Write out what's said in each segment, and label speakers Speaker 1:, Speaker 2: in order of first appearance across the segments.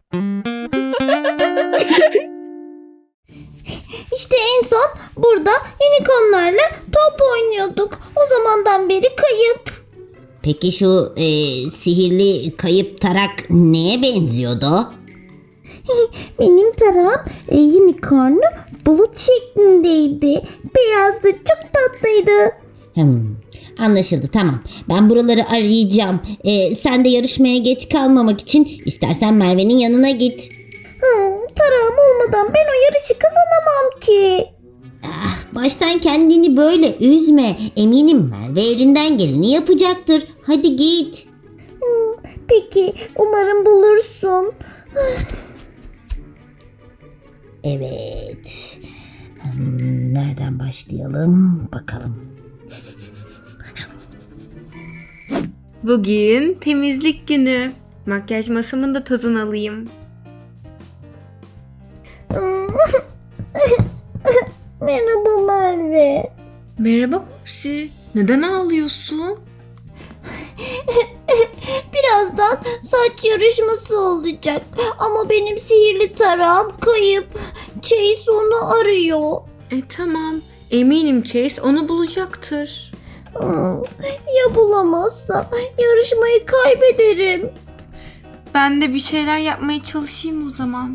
Speaker 1: İşte en son burada unicornlarla top oynuyorduk. O zamandan beri kayıp.
Speaker 2: Peki şu sihirli kayıp tarak neye benziyordu?
Speaker 1: Benim tarağım unicornlu bulut şeklindeydi. Beyazdı, çok tatlıydı.
Speaker 2: Anlaşıldı, tamam. Ben buraları arayacağım. Sen de yarışmaya geç kalmamak için istersen Merve'nin yanına git.
Speaker 1: Tarağım olmadan ben o yarışı kazanamam ki.
Speaker 2: Baştan kendini böyle üzme. Eminim Merve elinden geleni yapacaktır. Hadi git.
Speaker 1: Peki, umarım bulursun.
Speaker 2: Evet. Nereden başlayalım bakalım.
Speaker 3: Bugün temizlik günü. Makyaj masamın da tozunu alayım.
Speaker 1: Merhaba Merve.
Speaker 3: Merhaba Popsi. Neden ağlıyorsun?
Speaker 1: Birazdan saç yarışması olacak. Ama benim sihirli tarağım kayıp. Chase onu arıyor.
Speaker 3: Tamam. Eminim Chase onu bulacaktır.
Speaker 1: Ya bulamazsa yarışmayı kaybederim.
Speaker 3: Ben de bir şeyler yapmaya çalışayım o zaman.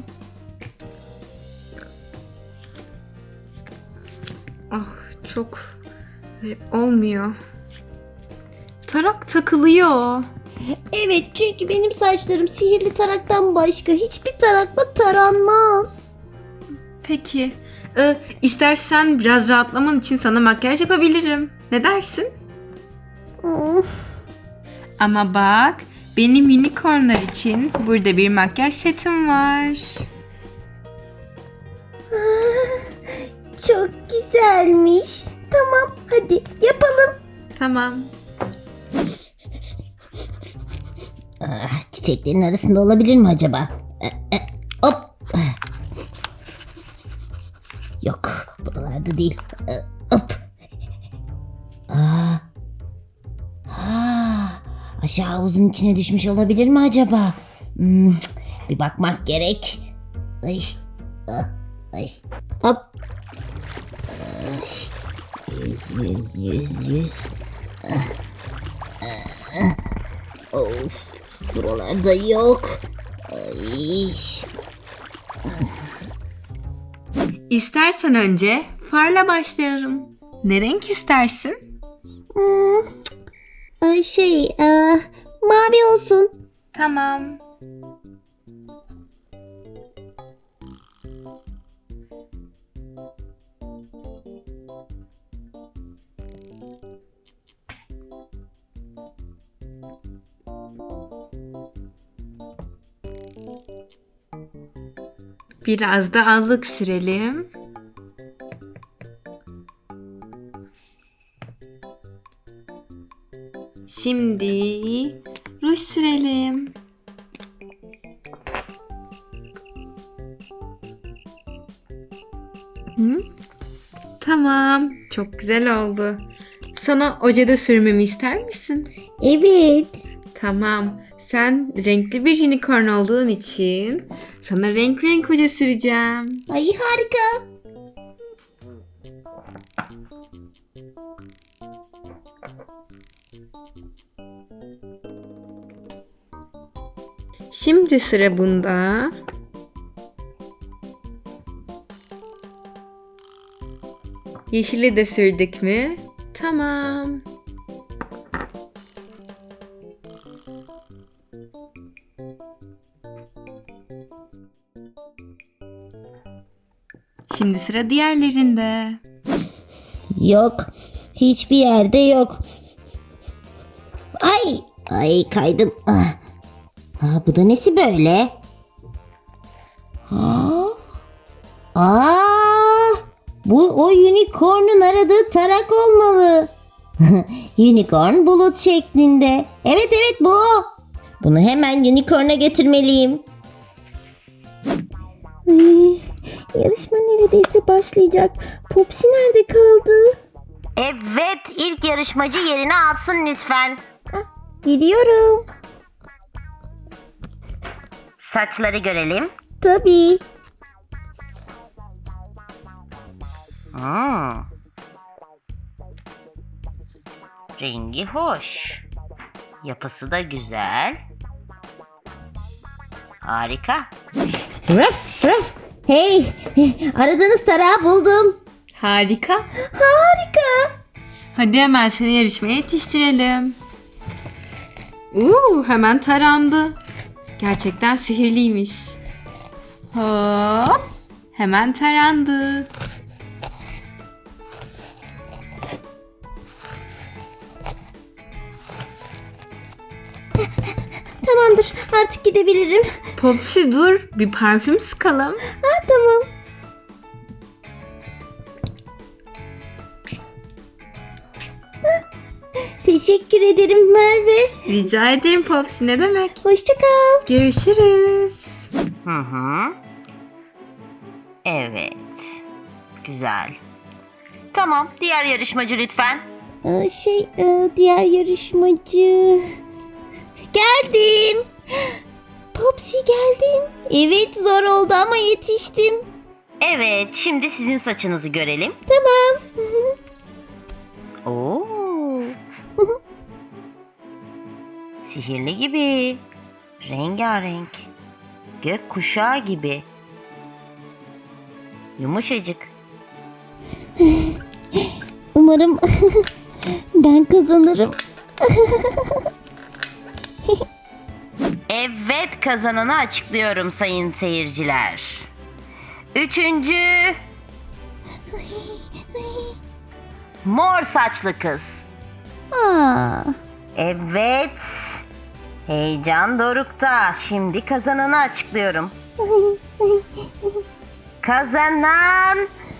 Speaker 3: Çok olmuyor. Tarak takılıyor.
Speaker 1: Evet, çünkü benim saçlarım sihirli taraktan başka hiçbir tarakla taranmaz.
Speaker 3: Peki. İstersen biraz rahatlaman için sana makyaj yapabilirim. Ne dersin? Ama bak, benim unicornlar için burada bir makyaj setim var.
Speaker 1: Çok güzelmiş. Tamam, hadi yapalım.
Speaker 3: Tamam.
Speaker 2: Çiçeklerin arasında olabilir mi acaba? Hop. Yok, buralarda değil. Hop. Aşağı havuzun içine düşmüş olabilir mi acaba? Bir bakmak gerek. Ay. Hop. 100. Of, buralarda yok. Ay.
Speaker 3: İstersen önce farla başlayalım. Ne renk istersin?
Speaker 1: Mavi olsun.
Speaker 3: Tamam. Biraz da allık sürelim. Şimdi ruj sürelim. Tamam, çok güzel oldu. Sana ojede sürmemi ister misin?
Speaker 1: Evet.
Speaker 3: Tamam. Sen renkli bir unicorn olduğun için sana renk renk oje süreceğim.
Speaker 1: Ay, harika.
Speaker 3: Şimdi sıra bunda. Yeşili de sürdük mü? Tamam. Şimdi sıra diğerlerinde.
Speaker 2: Yok. Hiçbir yerde yok. Ay kaydım. Bu da nesi böyle? Bu o unicorn'un aradığı tarak olmalı. Unicorn bulut şeklinde. Evet bu o. Bunu hemen unicorn'a getirmeliyim.
Speaker 1: Yarışma neredeyse başlayacak. Popsi nerede kaldı?
Speaker 2: Evet, ilk yarışmacı yerini alsın lütfen.
Speaker 1: Gidiyorum.
Speaker 2: Saçları görelim.
Speaker 1: Tabii.
Speaker 2: Rengi hoş. Yapısı da güzel. Harika.
Speaker 1: Rıf rıf. Hey, aradığınız tarağı buldum.
Speaker 3: Harika.
Speaker 1: Harika.
Speaker 3: Hadi hemen seni yarışmaya yetiştirelim. Hemen tarandı. Gerçekten sihirliymiş. Hop. Hemen tarandı.
Speaker 1: Tamamdır, artık gidebilirim.
Speaker 3: Popsi dur. Bir parfüm sıkalım.
Speaker 1: Ha, tamam. Teşekkür ederim Merve.
Speaker 3: Rica ederim Popsi, ne demek?
Speaker 1: Hoşça kal.
Speaker 3: Görüşürüz.
Speaker 2: Evet. Güzel. Tamam, diğer yarışmacı lütfen.
Speaker 1: Diğer yarışmacı. Geldim. Popsi geldin. Evet, zor oldu ama yetiştim.
Speaker 2: Evet, şimdi sizin saçınızı görelim.
Speaker 1: Tamam.
Speaker 2: Oo. Sihirli gibi. Rengarenk. Gök kuşağı gibi. Yumuşacık.
Speaker 1: Umarım ben kazanırım.
Speaker 2: Evet, kazananı açıklıyorum sayın seyirciler. Üçüncü. Mor saçlı kız.
Speaker 1: Aa,
Speaker 2: Evet. Heyecan dorukta. Şimdi kazananı açıklıyorum. Kazanan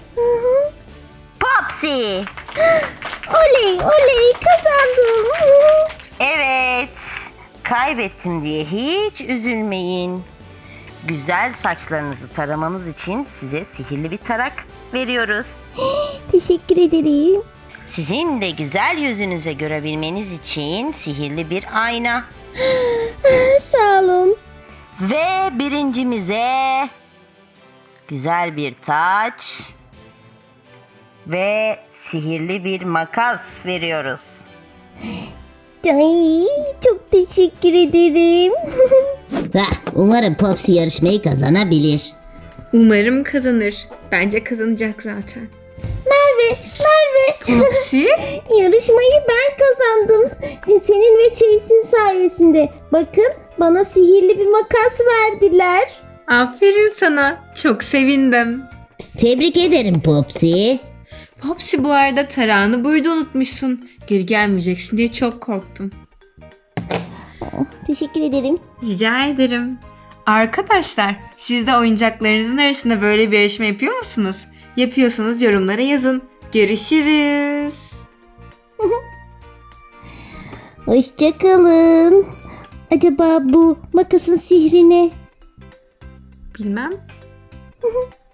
Speaker 2: Popsi.
Speaker 1: oley oley, kazandım.
Speaker 2: Evet. Kaybettim diye hiç üzülmeyin. Güzel saçlarınızı taramanız için size sihirli bir tarak veriyoruz.
Speaker 1: Teşekkür ederim.
Speaker 2: Sizin de güzel yüzünüze görebilmeniz için sihirli bir ayna.
Speaker 1: Sağ olun.
Speaker 2: Ve birincimize güzel bir taç ve sihirli bir makas veriyoruz.
Speaker 1: Ay, çok teşekkür ederim.
Speaker 2: Umarım Popsi yarışmayı kazanabilir.
Speaker 3: Umarım kazanır. Bence kazanacak zaten.
Speaker 1: Merve,
Speaker 3: Popsi?
Speaker 1: yarışmayı ben kazandım. Senin ve Chase'in sayesinde. Bakın, bana sihirli bir makas verdiler.
Speaker 3: Aferin sana. Çok sevindim.
Speaker 2: Tebrik ederim Popsi.
Speaker 3: Popsi, bu arada tarağını burada unutmuşsun. Geri gelmeyeceksin diye çok korktum.
Speaker 1: Teşekkür ederim.
Speaker 3: Rica ederim. Arkadaşlar, siz de oyuncaklarınızın arasında böyle bir yarışma yapıyor musunuz? Yapıyorsanız yorumlara yazın. Görüşürüz.
Speaker 1: Hoşça kalın. Acaba bu makasın sihri ne?
Speaker 3: Bilmem.